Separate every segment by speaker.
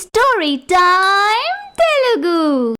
Speaker 1: Story time Telugu.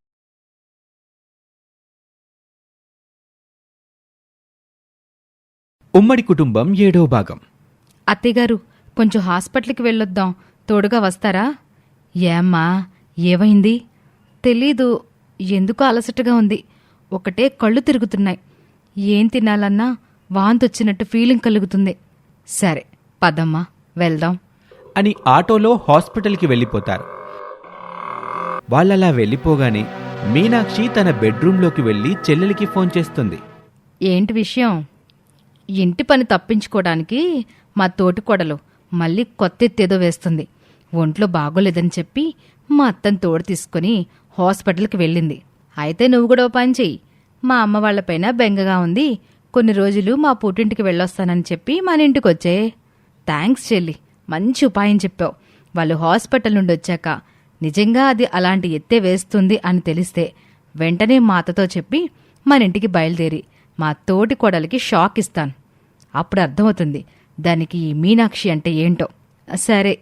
Speaker 2: ఉమ్మడి కుటుంబం 7వ భాగం.
Speaker 3: అత్తయ్యగారు, కొంచెం హాస్పిటల్కి వెళ్ళొద్దాం, తోడుగా వస్తారా? ఏమ్మా, ఏమైంది? తెలీదు, ఎందుకో అలసటగా ఉంది. ఒకటే కళ్ళు తిరుగుతున్నాయి. ఏం తినాలన్నా వాంతొచ్చినట్టు ఫీలింగ్ కలుగుతుంది. సరే పదమ్మా, వెళ్దాం
Speaker 2: అని ఆటోలో హాస్పిటల్కి వెళ్ళిపోతారు. వాళ్ళలా వెళ్ళిపోగానే మీనాక్షి తన బెడ్రూంలోకి వెళ్ళి చెల్లెలికి ఫోన్ చేస్తుంది.
Speaker 3: ఏంటి విషయం? ఇంటి పని తప్పించుకోవడానికి మా తోటికోడలు మళ్ళీ కొత్త ఎత్తేదో వేస్తుంది. ఒంట్లో బాగోలేదని చెప్పి మా అత్తని తోడు తీసుకుని హాస్పిటల్కి వెళ్ళింది. అయితే నువ్వు కూడా ఓ పని చెయ్యి. మా అమ్మ వాళ్లపైన బెంగగా ఉంది, కొన్ని రోజులు మా పుట్టింటికి వెళ్ళొస్తానని చెప్పి మన ఇంటికి వచ్చే. థ్యాంక్స్ చెల్లి, మంచి ఉపాయం చెప్పావు. వాళ్ళు హాస్పిటల్ నుండి వచ్చాక నిజంగా అది అలాంటి ఎత్తే వేస్తుంది అని తెలిస్తే వెంటనే మా అత్తతో చెప్పి మన ఇంటికి బయలుదేరి మా తోటి కోడలికి షాక్ ఇస్తాను. అప్పుడు అర్థమవుతుంది దానికి ఈ మీనాక్షి అంటే ఏంటో. సరే.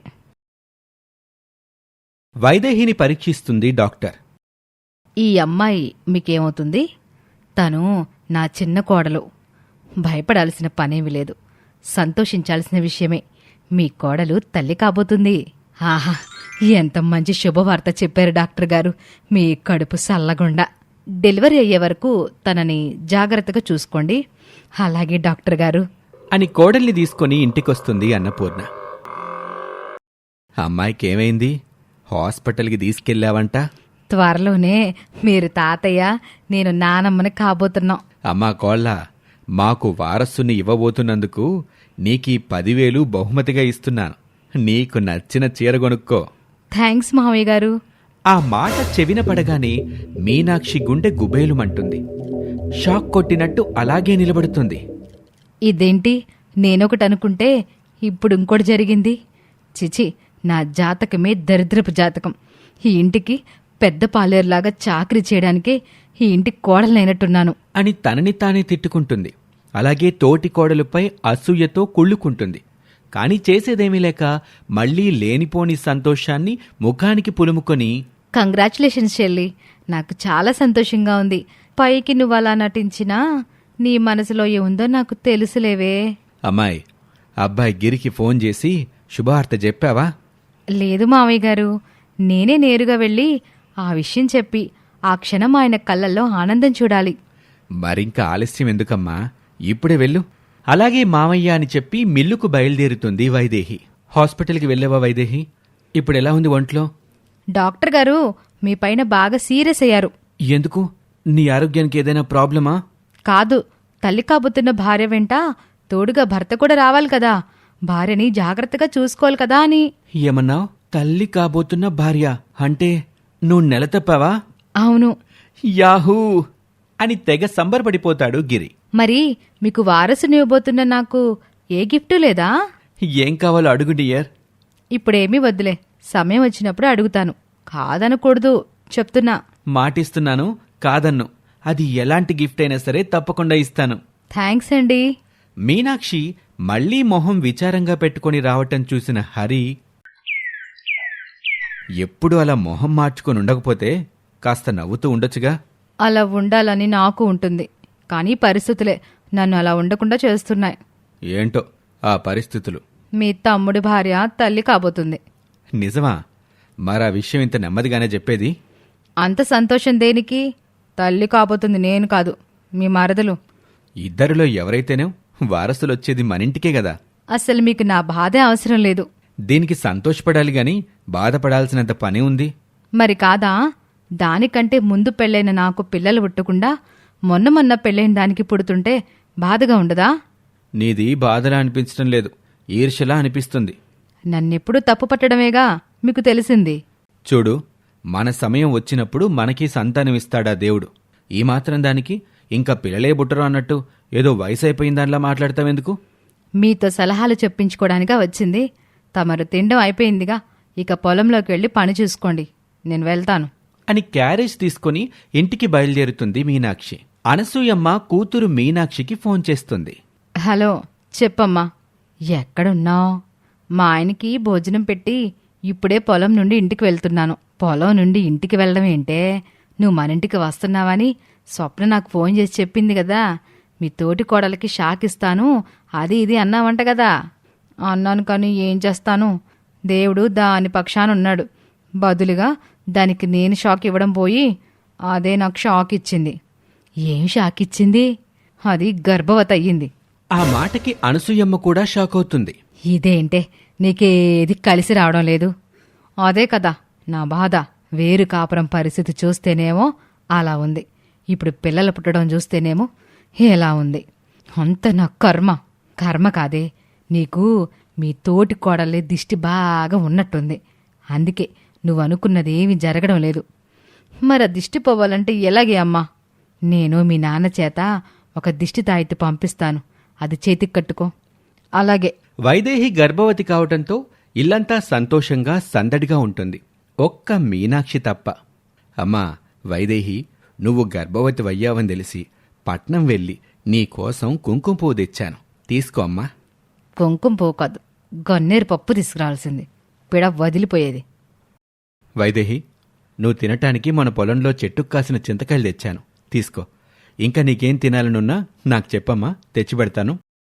Speaker 2: వైదేహిని పరీక్షిస్తుంది డాక్టర్.
Speaker 3: ఈ అమ్మాయి మీకేమవుతుంది? తను నా చిన్న కోడలు. భయపడాల్సిన పనేమి లేదు, సంతోషించాల్సిన విషయమే. మీ కోడలు తల్లి కాబోతుంది. ఆహా, ఎంత మంచి శుభవార్త చెప్పారు డాక్టర్ గారు. మీ కడుపు సల్లగుండా. డెలివరీ అయ్యే వరకు తనని జాగ్రత్తగా చూసుకోండి. అలాగే డాక్టర్ గారు
Speaker 2: అని కోడల్ని తీసుకుని ఇంటికొస్తుంది అన్నపూర్ణ. అమ్మాయికి ఏమైంది? హాస్పిటల్కి తీసుకెళ్ళావంట?
Speaker 3: త్వరలోనే మీరు తాతయ్య, నేను నానమ్మని కాబోతున్నాం.
Speaker 2: అమ్మా కోళ్ళ, మాకు వారసుని ఇవ్వబోతున్నందుకు నీకీ 10,000 బహుమతిగా ఇస్తున్నాను. నీకు నచ్చిన చీర కొనుక్కో.
Speaker 3: థ్యాంక్స్ మావయ్య గారు.
Speaker 2: ఆ మాట చెవిన పడగానే మీనాక్షి గుండె గుబేలుమంటుంది. షాక్ కొట్టినట్టు అలాగే నిలబడుతుంది.
Speaker 3: ఇదేంటి, నేనొకటి అనుకుంటే ఇప్పుడు ఇంకోటి జరిగింది. చిచి, నా జాతకమే దరిద్రపు జాతకం. ఈ ఇంటికి పెద్ద పాలేరులాగా చాకరీ చేయడానికే ఈ ఇంటి కోడలైనట్టున్నాను
Speaker 2: అని తనని తానే తిట్టుకుంటుంది. అలాగే తోటి కోడలుపై అసూయతో కుళ్ళుకుంటుంది. కాని చేసేదేమీ లేక మళ్లీ లేనిపోని సంతోషాన్ని ముఖానికి పులుముకొని,
Speaker 3: కంగ్రాచులేషన్స్ చెల్లి, నాకు చాలా సంతోషంగా ఉంది. పైకి నువ్వు అలా నటించినా నీ మనసులో ఏముందో నాకు తెలుసులేవే.
Speaker 2: అమ్మాయి, అబ్బాయి గిరికి ఫోన్ చేసి శుభవార్త చెప్పావా?
Speaker 3: లేదు మావయ్య గారు, నేనే నేరుగా వెళ్ళి ఆ విషయం చెప్పి ఆ క్షణం ఆయన కళ్ళల్లో ఆనందం చూడాలి.
Speaker 2: మరింక ఆలస్యం ఎందుకమ్మా, ఇప్పుడే వెళ్ళు. అలాగే మామయ్య అని చెప్పి మిల్లుకు బయలుదేరుతుంది వైదేహి. హాస్పిటల్కి వెళ్ళావా వైదేహి? ఇప్పుడెలా ఉంది ఒంట్లో?
Speaker 3: డాక్టర్ గారు మీ పైన బాగా సీరియస్ అయ్యారు.
Speaker 2: ఎందుకు? నీ ఆరోగ్యానికి ఏదైనా ప్రాబ్లమా?
Speaker 3: కాదు, తల్లి కాబోతున్న భార్య వెంట తోడుగా భర్త కూడా రావాలి కదా, భార్యని జాగ్రత్తగా చూసుకోవాలి కదా అని.
Speaker 2: ఏమన్నావ్? తల్లి కాబోతున్న భార్య అంటే నువ్వు నెల తప్పావా?
Speaker 3: అవును.
Speaker 2: యాహూ అని తెగ సంబరపడిపోతాడు గిరి.
Speaker 3: మరి మీకు వారసుని ఇవ్వబోతున్న నాకు ఏ గిఫ్టు లేదా?
Speaker 2: ఏం కావాలో అడుగు డియర్.
Speaker 3: ఇప్పుడేమీ వద్దులే, సమయం వచ్చినప్పుడు అడుగుతాను. కాదనకూడదు చెప్తున్నా.
Speaker 2: మాటిస్తున్నాను, కాదన్ను. అది ఎలాంటి గిఫ్ట్ అయినా సరే తప్పకుండా ఇస్తాను.
Speaker 3: థ్యాంక్స్ అండి.
Speaker 2: మీనాక్షి మళ్లీ మొహం విచారంగా పెట్టుకుని రావటం చూసిన హరి, ఎప్పుడు అలా మొహం మార్చుకొని ఉండకపోతే కాస్త నవ్వుతూ ఉండొచ్చుగా.
Speaker 3: అలా ఉండాలని నాకు ఉంటుంది, కానీ పరిస్థితులే నన్ను అలా ఉండకుండా చేస్తున్నాయి.
Speaker 2: ఏంటో ఆ పరిస్థితులు.
Speaker 3: మీ తమ్ముడి భార్య తల్లి కాబోతుంది.
Speaker 2: నిజమా? మరా విషయం ఇంత నెమ్మదిగానే చెప్పేది?
Speaker 3: అంత సంతోషం దేనికి? తల్లి కాబోతుంది నేను కాదు, మీ మరదలు.
Speaker 2: ఇద్దరిలో ఎవరైతేనే వారసులొచ్చేది మనింటికే గదా.
Speaker 3: అసలు మీకు నా బాధే అవసరం లేదు.
Speaker 2: దీనికి సంతోషపడాలి గాని బాధపడాల్సినంత పని ఉంది.
Speaker 3: మరి కాదా? దానికంటే ముందు పెళ్ళైన నాకు పిల్లలు పుట్టకుండా మొన్న పెళ్ళైన దానికి పుడుతుంటే బాధగా ఉండదా?
Speaker 2: నీది బాధలా అనిపించడం లేదు, ఈర్ష్యలా అనిపిస్తుంది.
Speaker 3: నన్నెప్పుడు తప్పు పట్టడమేగా మీకు తెలిసింది.
Speaker 2: చూడు, మన సమయం వచ్చినప్పుడు మనకి సంతానమిస్తాడా దేవుడు. ఈ మాత్రం దానికి ఇంకా పిల్లలే బుట్టరు అన్నట్టు ఏదో వయసు అయిపోయిందానిలా మాట్లాడతావెందుకు?
Speaker 3: మీతో సలహాలు చెప్పించుకోవడానిగా వచ్చింది. తమరు తిండం అయిపోయిందిగా, ఇక పొలంలోకి వెళ్ళి పని చూసుకోండి, నేను వెళ్తాను
Speaker 2: అని క్యారేజ్ తీసుకుని ఇంటికి బయలుదేరుతుంది మీనాక్షి. అనసూయమ్మ కూతురు మీనాక్షికి ఫోన్ చేస్తుంది.
Speaker 3: హలో, చెప్పమ్మా. ఎక్కడున్నావు? మా ఆయనకి భోజనం పెట్టి ఇప్పుడే పొలం నుండి ఇంటికి వెళ్తున్నాను. పొలం నుండి ఇంటికి వెళ్ళడం ఏంటే? నువ్వు మన ఇంటికి వస్తున్నావని స్వప్న నాకు ఫోన్ చేసి చెప్పింది కదా. మీ తోటి కోడలికి షాక్ ఇస్తాను అది ఇది అన్నావంట కదా. అన్నాను, కానీ ఏం చేస్తాను, దేవుడు దాని పక్షాన ఉన్నాడు. బదులుగా దానికి నేను షాక్ ఇవ్వడం పోయి అదే నాకు షాక్ ఇచ్చింది. ఏం షాక్ ఇచ్చింది? అది గర్భవతి అయ్యింది.
Speaker 2: ఆ మాటకి అనసూయమ్మ కూడా షాక్ అవుతుంది.
Speaker 3: ఇదేంటే, నీకేది కలిసి రావడం లేదు? అదే కదా నా బాధ. వేరు కాపురం పరిస్థితి చూస్తేనేమో అలా ఉంది, ఇప్పుడు పిల్లలు పుట్టడం చూస్తేనేమో ఎలా ఉంది. అంత నా కర్మ. కర్మ కాదే, నీకు మీ తోటి కోడలే దిష్టి బాగా ఉన్నట్టుంది. అందుకే నువ్వు అనుకున్నది ఏమీ జరగడం లేదు. మరి ఆ దిష్టి పోవాలంటే ఎలాగే అమ్మా? నేను మీ నాన్న చేత ఒక దిష్టి తాయిత్తు పంపిస్తాను, అది చేతికి కట్టుకో. అలాగే.
Speaker 2: వైదేహి గర్భవతి కావటంతో ఇల్లంతా సంతోషంగా సందడిగా ఉంటుంది, ఒక్క మీనాక్షి తప్ప. అమ్మా వైదేహి, నువ్వు గర్భవతి అయ్యావని తెలిసి పట్నం వెళ్ళి నీకోసం కుంకుమ పువ్వు తెచ్చాను, తీసుకో అమ్మా.
Speaker 3: కుంకుమ పువ్వు కాదు, గన్నేరు పప్పు తీసుకురావాల్సింది, పిడ వదిలిపోయేది.
Speaker 2: వైదేహి, నువ్వు తినటానికి మన పొలంలో చెట్టుకు కాసిన చింతకాయలు తెచ్చాను, తీసుకో. ఇంకా నీకేం తినాలనున్నా నాకు చెప్పమ్మా, తెచ్చిపెడతాను.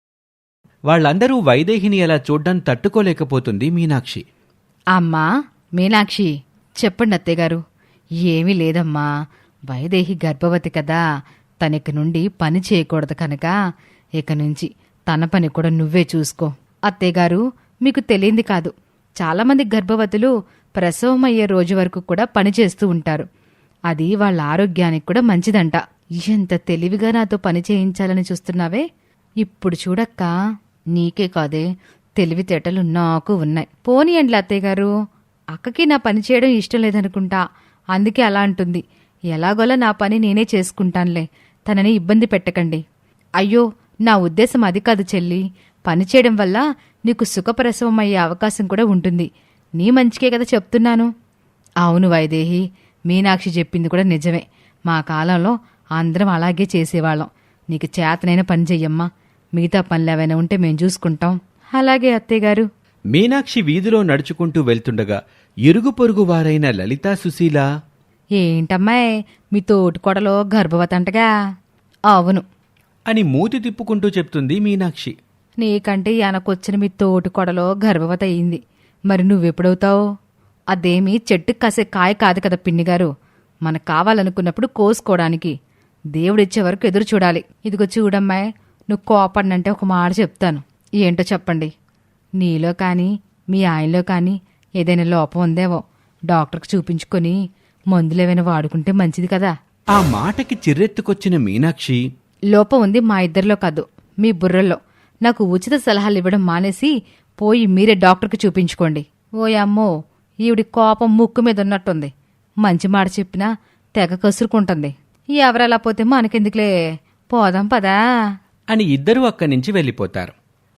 Speaker 2: వాళ్ళందరూ వైదేహిని అలా చూడ్డం తట్టుకోలేకపోతుంది మీనాక్షి.
Speaker 3: అమ్మా మీనాక్షి, చెప్పండి అత్తయ్యగారు. ఏమీ లేదమ్మా, వైదేహి గర్భవతి కదా, తనిక నుండి పని చేయకూడదు కనుక ఇక నుంచి తన పని కూడా నువ్వే చూసుకో. అత్తయ్యగారు, మీకు తెలియంది కాదు, చాలామంది గర్భవతులు ప్రసవం అయ్యే రోజు వరకు కూడా పనిచేస్తూ ఉంటారు. అది వాళ్ళ ఆరోగ్యానికి కూడా మంచిదంట. ఎంత తెలివిగా నాతో పని చేయించాలని చూస్తున్నావే. ఇప్పుడు చూడక్కా, నీకే కాదే, తెలివితేటలు నాకు ఉన్నాయి. పోనీయండి అత్తయ్యగారు, అక్కకి నా పని చేయడం ఇష్టం లేదనుకుంటా, అందుకే అలా అంటుంది. ఎలాగోలా నా పని నేనే చేసుకుంటానులే, తనని ఇబ్బంది పెట్టకండి. అయ్యో, నా ఉద్దేశం అది కాదు చెల్లి. పని చేయడం వల్ల నీకు సుఖప్రసవం అయ్యే అవకాశం కూడా ఉంటుంది. నీ మంచికే కదా చెప్తున్నాను. అవును వైదేహి, మీనాక్షి చెప్పింది కూడా నిజమే. మా కాలంలో అందరం అలాగే చేసేవాళ్ళం. నీకు చేతనైన పని చెయ్యమ్మా, మిగతా పనులు ఏవైనా ఉంటే మేం చూసుకుంటాం. అలాగే అత్తయ్యగారు.
Speaker 2: మీనాక్షి వీధిలో నడుచుకుంటూ వెళ్తుండగా ఇరుగు పొరుగు వారైన లలితా సుశీల,
Speaker 3: ఏంటమ్మాయ్, మీ తోటికోడలో గర్భవతి అంటగా? అవును
Speaker 2: అని మూతి తిప్పుకుంటూ చెప్తుంది మీనాక్షి.
Speaker 3: నీకంటే వెనకొచ్చిన మీ తోటికోడలో గర్భవతి అయింది, మరి నువ్వెప్పుడవుతావు? అదేమీ చెట్టుకు కాసే కాయ కాదు కదా పిన్నిగారు, మనకు కావాలనుకున్నప్పుడు కోసుకోవడానికి. దేవుడిచ్చే వరకు ఎదురు చూడాలి. ఇదిగో చూడమ్మాయ్, నువ్వు కోపడినంటే ఒక మాట చెప్తాను. ఏంటో చెప్పండి. నీలో కానీ మీ ఆయనలో కానీ ఏదైనా లోపం ఉందేవో డాక్టర్కి చూపించుకొని మందులేమైనా వాడుకుంటే మంచిది కదా.
Speaker 2: ఆ మాటకి చిర్రెత్తుకొచ్చిన మీనాక్షి,
Speaker 3: లోపం ఉంది మా ఇద్దరిలో కాదు, మీ బుర్రల్లో. నాకు ఉచిత సలహాలు ఇవ్వడం మానేసి పోయి మీరే డాక్టర్కి చూపించుకోండి. ఓయమ్మో, ఈవిడి కోపం ముక్కు మీద ఉన్నట్టుంది. మంచి మాట చెప్పినా తెగ కసురుకుంటుంది. ఎవరలా పోతే మనకెందుకులే, పోదాం పదా
Speaker 2: అని ఇద్దరూ అక్కడి నుంచి వెళ్ళిపోతారు.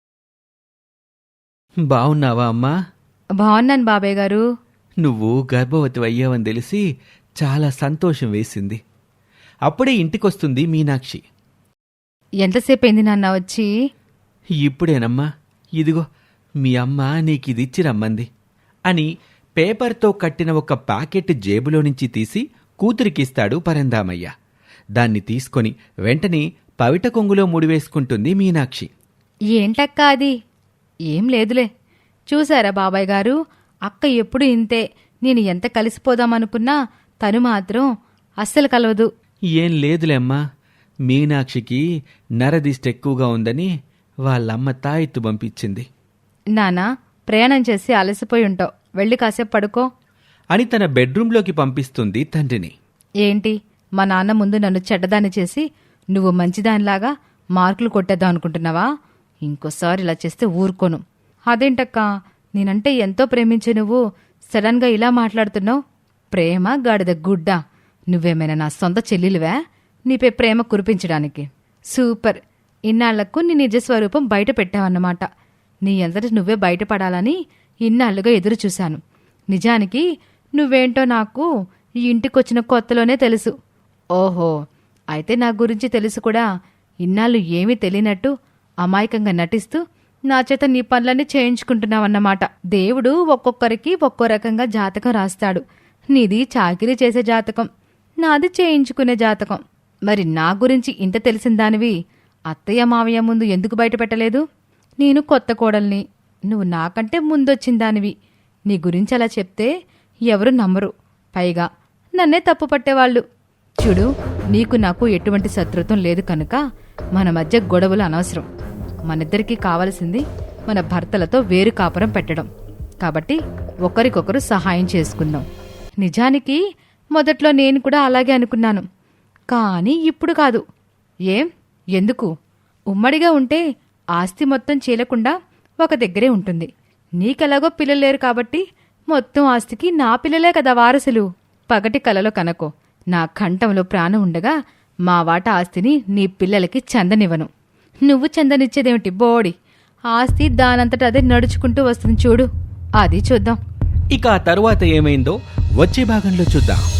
Speaker 2: బావున్నావా అమ్మా?
Speaker 3: బాగున్నాను బాబాయ్ గారు.
Speaker 2: నువ్వు గర్భవతి అయ్యావని తెలిసి చాలా సంతోషం వేసింది. అప్పుడే ఇంటికొస్తుంది మీనాక్షి.
Speaker 3: ఎంతసేపు అయింది నాన్న వచ్చి?
Speaker 2: ఇప్పుడేనమ్మా, ఇదిగో మీ అమ్మ నీకిదిచ్చి రమ్మంది అని పేపర్తో కట్టిన ఒక ప్యాకెట్ జేబులో నుంచి తీసి కూతురికిస్తాడు పరందామయ్య. దాన్ని తీసుకొని వెంటనే పవిట కొంగులో ముడివేసుకుంటుంది మీనాక్షి.
Speaker 3: ఏంటక్కా అది? ఏం లేదులే. చూశారా బాబాయ్ గారు, అక్క ఎప్పుడు ఇంతే. నేను ఎంత కలిసిపోదామనుకున్నా తను మాత్రం అస్సలు కలవదు.
Speaker 2: ఏం లేదులేమ్మా, మీనాక్షికి నరదిష్టి ఎక్కువగా ఉందని వాళ్ళమ్మ తాయెత్తు పంపించింది.
Speaker 3: నానా, ప్రయాణం చేసి అలసిపోయి ఉంటావు, వెళ్ళి కాసేపు పడుకో
Speaker 2: అని తన బెడ్రూంలోకి పంపిస్తుంది తండ్రిని.
Speaker 3: ఏంటి, మా నాన్న ముందు నన్ను చెడ్డదాన్ని చేసి నువ్వు మంచిదానిలాగా మార్కులు కొట్టేద్దాం అనుకుంటున్నావా? ఇంకోసారి ఇలా చేస్తే ఊరుకోను. అదేంటక్కా, నేనంటే ఎంతో ప్రేమించే నువ్వు సడన్గా ఇలా మాట్లాడుతున్నావు? ప్రేమ గాడిద గుడ్డ. నువ్వేమైనా నా సొంత చెల్లెలివా నీపై ప్రేమ కురిపించడానికి? సూపర్, ఇన్నాళ్లకు నీ నిజస్వరూపం బయట పెట్టావన్నమాట. నీ అంతటి నువ్వే బయటపడాలని ఇన్నాళ్లుగా ఎదురు చూశాను. నిజానికి నువ్వేంటో నాకు ఈ ఇంటికొచ్చిన కొత్తలోనే తెలుసు. ఓహో, అయితే నా గురించి తెలుసు కూడా. ఇన్నాళ్ళు ఏమీ తెలియనట్టు అమాయకంగా నటిస్తూ నా చేత నీ పనులన్నీ చేయించుకుంటున్నావన్నమాట. దేవుడు ఒక్కొక్కరికి ఒక్కో రకంగా జాతకం రాస్తాడు. నీది చాకిరీ చేసే జాతకం, నాది చేయించుకునే జాతకం. మరి నా గురించి ఇంత తెలిసిన దానివి అత్తయ్య మావయ్య ముందు ఎందుకు బయట పెట్టలేదు? నేను కొత్త కోడల్ని, నువ్వు నాకంటే ముందొచ్చిన దానివి. నీ గురించి అలా చెప్తే ఎవరు నమ్మరు. పైగా నన్నే తప్పు పట్టేవాళ్ళు. చూడు, నీకు నాకు ఎటువంటి శత్రుత్వం లేదు కనుక మన మధ్య గొడవలు అనవసరం. మనిద్దరికీ కావలసింది మన భర్తలతో వేరు కాపురం పెట్టడం. కాబట్టి ఒకరికొకరు సహాయం చేసుకుందాం. నిజానికి మొదట్లో నేను కూడా అలాగే అనుకున్నాను, కానీ ఇప్పుడు కాదు. ఏం? ఎందుకు? ఉమ్మడిగా ఉంటే ఆస్తి మొత్తం చీలకుండా ఒక దగ్గరే ఉంటుంది. నీకెలాగో పిల్లలు లేరు కాబట్టి మొత్తం ఆస్తికి నా పిల్లలే కదా వారసులు. పగటి కలలో కనకో, నా కంఠంలో ప్రాణం ఉండగా మా వాటా ఆస్తిని నీ పిల్లలకి చందనివ్వను. నువ్వు చందనిచ్చేదేమిటి బోడి? ఆస్తి దానంతట అదే నడుచుకుంటూ వస్తుంది చూడు, అది చూద్దాం.
Speaker 2: ఇక ఆ తరువాత ఏమైందో వచ్చే భాగంలో చూద్దాం.